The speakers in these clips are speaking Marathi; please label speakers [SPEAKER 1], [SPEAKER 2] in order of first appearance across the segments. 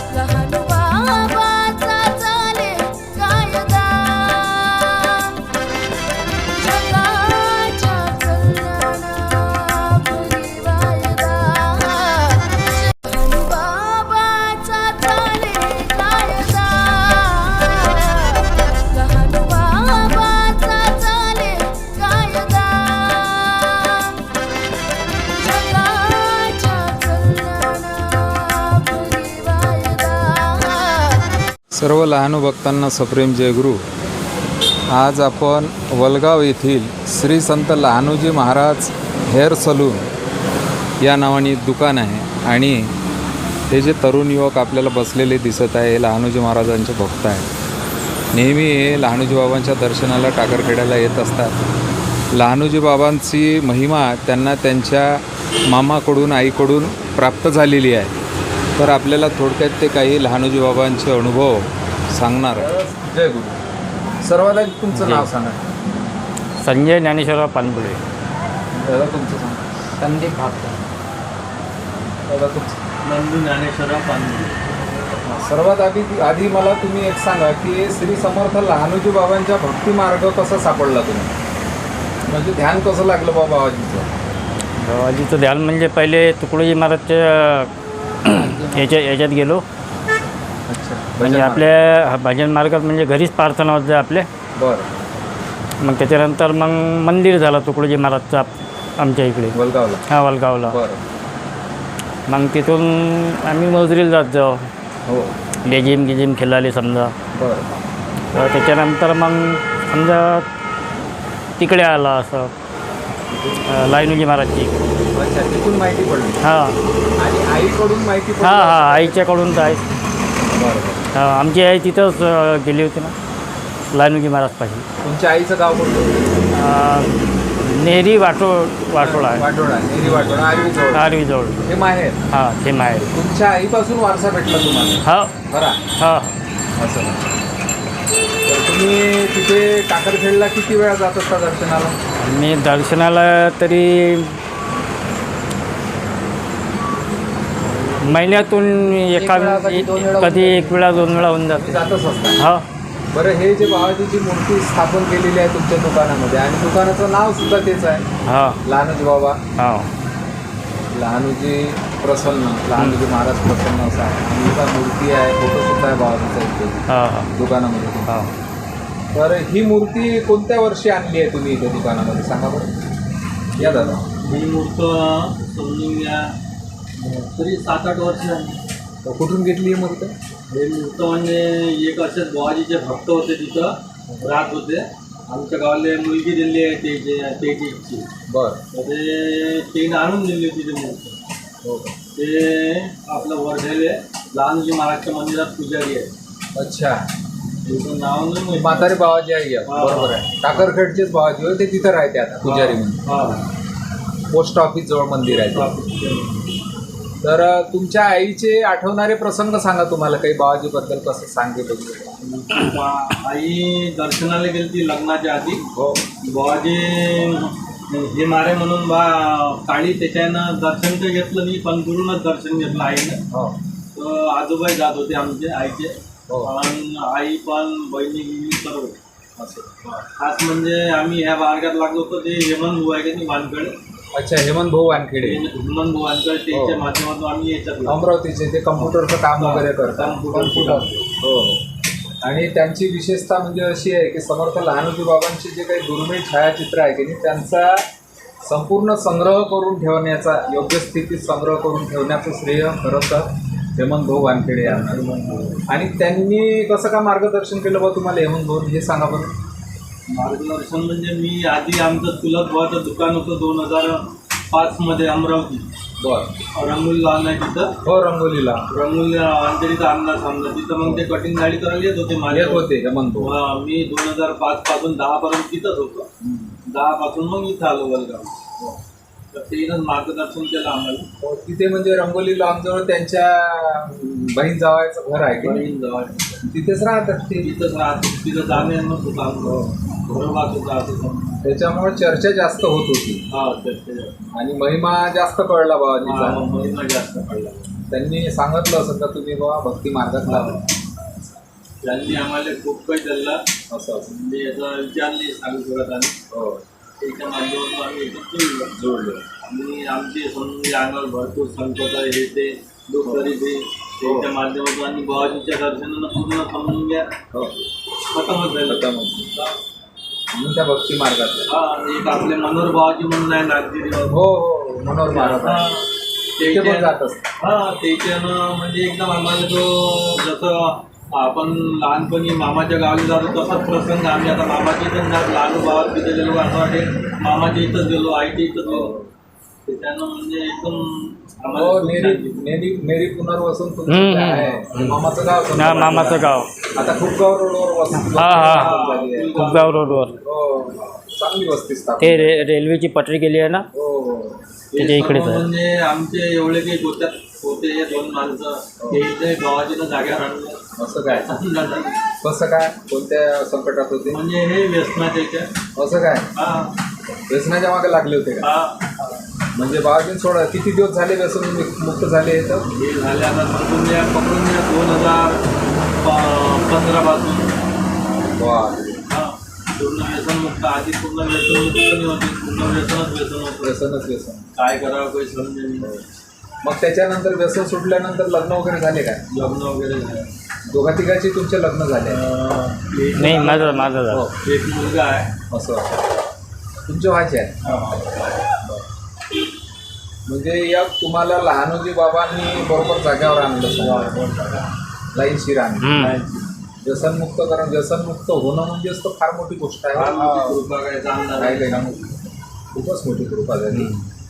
[SPEAKER 1] लहान बाबाचा चाले कायदा जगाच्या कल्याणापुरी वायदा लहान बाबाचा चाले कायदा लहान बाबाचा चाले कायदा
[SPEAKER 2] सर्व लहानू भक्तांना सप्रेम जयगुरु. आज आपण वलगाव येथील श्री संत लहानूजी महाराज हेअर सलून या नावाने दुकान आहे आणि हे जे तरुण युवक आपल्याला बसलेले दिसत आहे हे लहानूजी महाराजांचे भक्त आहेत. नेहमी हे लहानूजी बाबांच्या दर्शनाला टाकरखेड्याला येत असतात. लहानूजी बाबांची महिमा त्यांना त्यांच्या मामाकडून आईकडून प्राप्त झालेली आहे. तर आपल्याला थोडक्यात ते काही लहानूजी बाबांचे अनुभव सांगणार. जय गुरु. सर्वात आधी तुमचं नाव सांगा.
[SPEAKER 3] संजय ज्ञानेश्वरराव पानपुले.
[SPEAKER 2] दादा तुमचं सांगा.
[SPEAKER 3] संदीप भागकर.
[SPEAKER 2] दादा तुमचं.
[SPEAKER 3] नंदू ज्ञानेश्वरराव पानपुले.
[SPEAKER 2] सर्वात आधी मला तुम्ही एक सांगा की श्री समर्थ लहानूजी बाबांच्या भक्ती मार्ग कसा सापडला तुम्ही, म्हणजे ध्यान कसं लागलं बाबाजीचं?
[SPEAKER 3] बाबाजीचं ध्यान म्हणजे पहिले तुकडोजी महाराजच्या याच्यात गेलो.
[SPEAKER 2] अच्छा.
[SPEAKER 3] म्हणजे आपल्या भजन मार्गात म्हणजे घरीच प्रार्थना होत आपले.
[SPEAKER 2] बरं.
[SPEAKER 3] मग त्याच्यानंतर मग मंदिर झालं तुकडोजी महाराजचा आमच्या इकडे
[SPEAKER 2] वलगावला.
[SPEAKER 3] हा वलगावला.
[SPEAKER 2] बरं.
[SPEAKER 3] मग तिथून आम्ही मजुरीला जात जाऊ.
[SPEAKER 2] हो.
[SPEAKER 3] गिजिम खेळाले समजा.
[SPEAKER 2] बरं.
[SPEAKER 3] तर त्याच्यानंतर मग समजा तिकडे आला असं लहानूजी महाराजची.
[SPEAKER 2] अच्छा. तिथून माहिती पडली.
[SPEAKER 3] हां
[SPEAKER 2] आणि आईकडून माहिती पडली.
[SPEAKER 3] हां आईच्याकडून तर आहे.
[SPEAKER 2] बरं.
[SPEAKER 3] आमची आई तिथंच गेली होती ना लहानूजी महाराजपाशी.
[SPEAKER 2] तुमच्या आईचं गाव कोणतं?
[SPEAKER 3] नेहरी वाटोळा आहे.
[SPEAKER 2] वाटोळा. नेहरी वाटोळा. आरवीजवळ.
[SPEAKER 3] आरवीजवळ.
[SPEAKER 2] हे माहेर.
[SPEAKER 3] हां ते माहेर.
[SPEAKER 2] तुमच्या आईपासून वारसा भेटला तुम्हाला?
[SPEAKER 3] हो.
[SPEAKER 2] बरा.
[SPEAKER 3] हां
[SPEAKER 2] असं. तर तुम्ही तिथे टाकरखेडला किती वेळा जात असता दर्शनाला?
[SPEAKER 3] मी दर्शनाला तरी महिन्यातून कधी एक वेळा दोन वेळा होऊन जाते.
[SPEAKER 2] जातच असता.
[SPEAKER 3] हो.
[SPEAKER 2] बरं. हे जे बाबाजीची मूर्ती स्थापन केलेली आहे तुमच्या दुकानामध्ये आणि दुकानाचं नाव सुद्धा तेच आहे,
[SPEAKER 3] हां
[SPEAKER 2] लहानूजी बाबा.
[SPEAKER 3] हो.
[SPEAKER 2] लहानूजी प्रसन्न, लहानूजी महाराज प्रसन्न असं आहे. आणि इथं मूर्ती आहे, फोटोसुद्धा आहे बाबाजीचा इथे
[SPEAKER 3] हां हां
[SPEAKER 2] दुकानामध्ये.
[SPEAKER 3] हां.
[SPEAKER 2] तर ही मूर्ती कोणत्या वर्षी आणली आहे तुम्ही इथे दुकानामध्ये सांगा बरं. या दादा.
[SPEAKER 4] ही मूर्त समजून घ्या तरी 7-8 वर्ष झाली.
[SPEAKER 2] तर कुठून घेतली ही मूर्ती?
[SPEAKER 4] हे मूर्त म्हणजे एक असेच बुवाजीचे भक्त होते, तिथं राहत होते. आमच्या गावाला मुलगी दिली आहे त्याची इच्छी.
[SPEAKER 2] बरं.
[SPEAKER 4] तर ते आणून दिली होती ते मूर्त.
[SPEAKER 2] हो.
[SPEAKER 4] ते आपलं वर्धेले लहानूजी महाराजच्या मंदिरात पुजारी आहे.
[SPEAKER 2] अच्छा.
[SPEAKER 4] त्याचं नाव नाही माहिती.
[SPEAKER 2] म्हातारे बाबाजी आहे. बरोबर आहे. टाकरखेडचेच बाबाजी होते, ते तिथं राहते आता पुजारी म्हणून.
[SPEAKER 4] हां.
[SPEAKER 2] पोस्ट ऑफिस जवळ मंदिर आहे. तर तुमच्या आईचे आठवणारे प्रसंग सांगा. तुम्हाला काही बाबाजीबद्दल कसं सांगितलं?
[SPEAKER 4] आई दर्शनाला गेली ती लग्नाच्या आधी.
[SPEAKER 2] हो.
[SPEAKER 4] बुवाजी हे मारे म्हणून काळी त्याच्यानं दर्शन तर घेतलं नाही, पण दुरूनच दर्शन घेतलं आईनं.
[SPEAKER 2] हो.
[SPEAKER 4] तर आजोबाई जात होते आमचे आईचे.
[SPEAKER 2] हो.
[SPEAKER 4] आणि आई पण बहिणी सर्व.
[SPEAKER 2] असं.
[SPEAKER 4] खास म्हणजे आम्ही ह्या मार्गात लागलो होतो ते हेमंत भाऊ आहे का नाही वानकडे.
[SPEAKER 2] अच्छा. हेमंत भाऊ वानखेडे.
[SPEAKER 4] हेमंत भाऊ वानकडे त्याच्या माध्यमातून आम्ही याच्यात
[SPEAKER 2] अमरावतीचे ते कम्प्युटरचं काम वगैरे करतात.
[SPEAKER 4] कम्प्युटर.
[SPEAKER 2] हो. आणि त्यांची विशेषता म्हणजे अशी आहे की समर्थ लहानूजी बाबांचे जे काही दुर्मिळ छायाचित्र आहे की नाही त्यांचा संपूर्ण संग्रह करून ठेवण्याचा, योग्य स्थितीत संग्रह करून ठेवण्याचं श्रेय खरं तर हेमंत भाऊ वानखेडे यांना. आणि त्यांनी कसं का मार्गदर्शन केलं बा तुम्हाला हेमंत भाऊ, हे सांगा बरं.
[SPEAKER 4] मार्गदर्शन म्हणजे मी आधी आमचं चुलत भावाचं दुकान होतं 2005 अमरावती.
[SPEAKER 2] बरं.
[SPEAKER 4] रंगोली लहान आहे तिथं.
[SPEAKER 2] हो. रंगोलीला
[SPEAKER 4] अंधेरीचा अंदाज समजा तिथं मग ते कटिंग गाडी करायला येत होते माझे.
[SPEAKER 2] येत होते हेमंत भाऊ.
[SPEAKER 4] मी 2005 पासून 10 पर्यंत तिथंच होतो. 10 पासून मग इथं आलो वलगाव. तर तेच मार्गदर्शन केलं आम्हाला.
[SPEAKER 2] तिथे म्हणजे रंगोली लॉनजवळ त्यांच्या बहीण जावायचं घर आहे की
[SPEAKER 4] बहीण जवळ
[SPEAKER 2] तिथेच राहतात ते.
[SPEAKER 4] तिथंच राहतो. तिथं जाणे होतं आमचं. घरोबाचं जात.
[SPEAKER 2] त्याच्यामुळे चर्चा जास्त होत होती.
[SPEAKER 4] हा.
[SPEAKER 2] आणि महिमा जास्त कळला बाबाजीचा.
[SPEAKER 4] महिमा जास्त पडला.
[SPEAKER 2] त्यांनी सांगितलं असं का तुम्ही बाबा भक्ती मार्गात लावा
[SPEAKER 4] त्यांनी आम्हाला खूप काही दिलं
[SPEAKER 2] असं
[SPEAKER 4] म्हणजे याचा विचार नाही सांगू शकत आम्ही
[SPEAKER 2] हो
[SPEAKER 4] त्याच्या माध्यमातून आम्ही एकदम
[SPEAKER 2] जोडलं
[SPEAKER 4] आणि आमचे समजून अंगावर भरपूर संकट हे ते दुःख तरी ते त्याच्या माध्यमातून आणि बाबाजीच्या दर्शनानं पूर्ण समजून घ्या खतमच झालं
[SPEAKER 2] म्हणून त्या भक्ती मार्गात
[SPEAKER 4] हा एक आपले मनोहर बाबाजी म्हणून आहे नागगिरी
[SPEAKER 2] हो हो मनोहर महाराज ते पण जात असतात
[SPEAKER 4] हा त्याच्यानं म्हणजे एकदम आम्हाला तो जसं आपण लहानपणी मामाच्या गावी जातो तसाच प्रसंग आम्ही आता मामाच्या इथं लहान भावात तिथे गेलो असं वाटेल मामाच्या इथंच गेलो आईच्या इथंच गेलो त्याच्यानं म्हणजे एकदम
[SPEAKER 2] हो नेरी पुनर्वसन तुमचं काय आहे मामाचं गाव समजा.
[SPEAKER 3] हा मामाचं गाव
[SPEAKER 2] आता खूप गाव रोडवर वस्ती
[SPEAKER 3] हा
[SPEAKER 2] झाली आहे.
[SPEAKER 3] खूपगाव रोडवर
[SPEAKER 2] हो चांगली वस्ती स्थापन
[SPEAKER 3] ते रेल्वेची पटरी गेली आहे ना
[SPEAKER 2] हो हो
[SPEAKER 3] त्याच्या इकडेच आहे.
[SPEAKER 4] म्हणजे आमचे एवढे काही गोत्यात होते हे 2 माणसं ते इथे गावाजीनं जाग्यावर आणलं
[SPEAKER 2] असं काय कसं काय कोणत्या संकटात होते
[SPEAKER 4] म्हणजे हे व्यसनाच्या याच्या
[SPEAKER 2] असं काय
[SPEAKER 4] हा
[SPEAKER 2] व्यसनाच्या मागे लागले होते का
[SPEAKER 4] हा
[SPEAKER 2] म्हणजे बाबाजी सोडा किती दिवस झाले व्यसन मुक्त झाले तर
[SPEAKER 4] हे झाले आता पकडून द्या 2015 पासून
[SPEAKER 2] वा
[SPEAKER 4] हा पूर्ण व्यसनमुक्त आधी पूर्ण व्यसनमुक्त नाही होते पूर्ण व्यसनच होतं
[SPEAKER 2] व्यसनच व्यसन
[SPEAKER 4] काय करावं काही समजे नाही
[SPEAKER 2] मग त्याच्यानंतर व्यसन सुटल्यानंतर लग्न वगैरे झाले काय
[SPEAKER 4] लग्न वगैरे झालं
[SPEAKER 2] दोघा तिघाचे तुमचे लग्न झाले
[SPEAKER 3] नाही माझं झालं.
[SPEAKER 4] एक मुलगा आहे
[SPEAKER 2] असं तुमचे व्हायचे आहे म्हणजे या तुम्हाला लहानोजी बाबांनी बरोबर जाग्यावर आणलं लाईनशीर आणलं व्यसनमुक्त कारण व्यसनमुक्त होणं म्हणजेच तर फार मोठी गोष्ट आहे
[SPEAKER 4] कृपा काय चांगला
[SPEAKER 2] काय काय ना खूपच मोठी कृपा झाली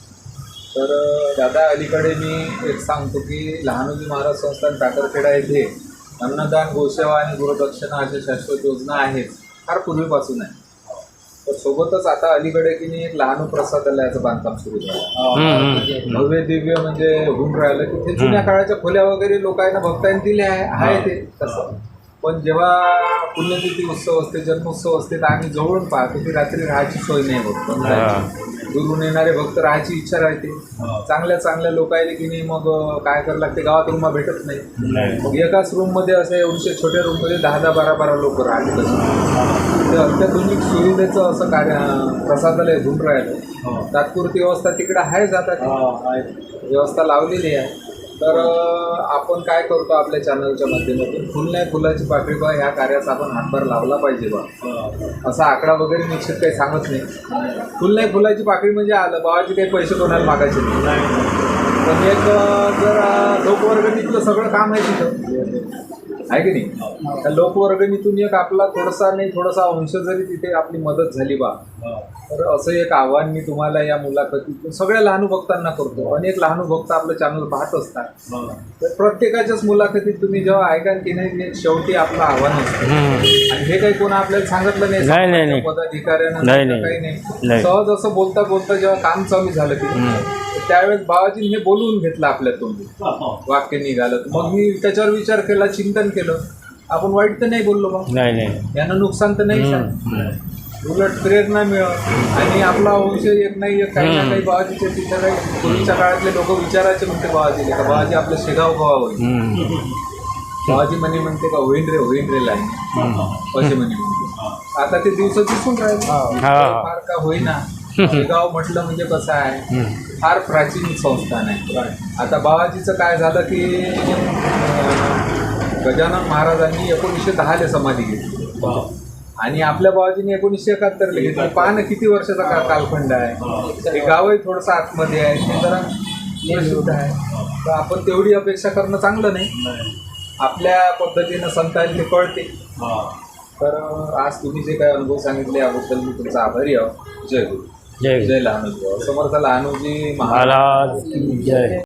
[SPEAKER 2] तर दादा अलीकडे मी एक सांगतो की लहानोजी महाराज संस्थान टाकरखेडा येथे अन्नदान गोसेवा आणि गुरुदक्षिणा अशा शाश्वत योजना आहेत फार पूर्वीपासून आहे तर सोबतच आता अलीकडे की नाही एक लहान प्रसादालयाचं बांधकाम सुरू झालं भव्य दिव्य म्हणजे होऊन राहिलं की ते जुन्या काळाच्या खोल्या वगैरे लोकांना भक्तांनी दिल्या आहे ते तसं पण जेव्हा पुण्यतिथी उत्सव असते जन्मोत्सव असते तर आम्ही जवळून पाहतो की रात्री राहायची सोय नाही होत दुरून येणारे भक्त राहायची इच्छा राहते चांगल्या लोक आले की नाही मग काय करावं लागते गावात रूम भेटत नाही मग एकाच रूममध्ये असं एवढ्या छोट्या रूममध्ये 10-12 लोक राहते तसं ते अत्याधुनिक सुविधेचं असं कार्य प्रसादालय होऊन राहिलं तात्पुरती व्यवस्था तिकडे आहे जातात व्यवस्था लावलेली आहे तर आपण काय करतो आपल्या चॅनलच्या माध्यमातून फुल नाही फुलाची पाकळी बा ह्या कार्याचा आपण हातभार लावला पाहिजे बा असा आकडा वगैरे निश्चित काही सांगत नाही फुल नाही फुलाची पाकळी म्हणजे आलं बाबाचे काही पैसे कोणाला मागायचे नाही पण एक जर लोकवर्गणीतलं सगळं काम आहे तिथं आहे की नाही त्या लोकवर्गणीतून एक आपला थोडासा अंश जरी तिथे आपली मदत झाली बा तर असं एक आव्हान मी तुम्हाला या मुलाखतीतून सगळ्या लहानू भक्तांना करतो अनेक लहानू भक्त आपलं चॅनल पाहत असतात तर प्रत्येकाच्याच मुलाखतीत तुम्ही जेव्हा ऐकाल की नाही शेवटी आपलं आव्हान असतं आणि हे काही कोण आपल्याला सांगितलं नाही पदाधिकाऱ्यांना काही नाही सहज असं बोलता बोलता जेव्हा काम चालू झालं की त्यावेळेस बाबाजीने हे बोलवून घेतलं आपल्या तोंडी वाक्य निघालं मग मी त्याच्यावर विचार केला चिंतन केलं आपण वाईट तर नाही बोललो मग यानं नुकसान तर नाही उलट प्रेरणा मिळत आणि आपला वंश एक नाही एक काही ना काही बाबाजीच्या तिथे काही पूर्वीच्या काळातले लोक विचारायचे म्हणते बाबाजीले का बाबाजी आपलं शेगाव कवा होईल बाबाजी म्हणते का होईन रे लाईन असे म्हणते आता ते दिवस दिसून राहिले फार का होईना शेगाव म्हटलं म्हणजे कसं आहे फार प्राचीन संस्थान आहे आता बाबाजीचं काय झालं की गजानन महाराजांनी 1910 समाधी घेतली आणि आपल्या बाबाजीने 1971 घेतली पहा ना किती वर्षाचा कालखंड आहे हे गावही थोडंसं आतमध्ये आहे ते जरा प्रसिद्ध आहे तर आपण तेवढी अपेक्षा करणं चांगलं नाही आपल्या पद्धतीनं संतांनी ते कळते तर आज तुम्ही जे काही अनुभव सांगितले याबद्दल मी तुमचा आभारी आहोत जय गुरु जय लहानोजी समर्थ लहानोजी महाराज
[SPEAKER 3] जय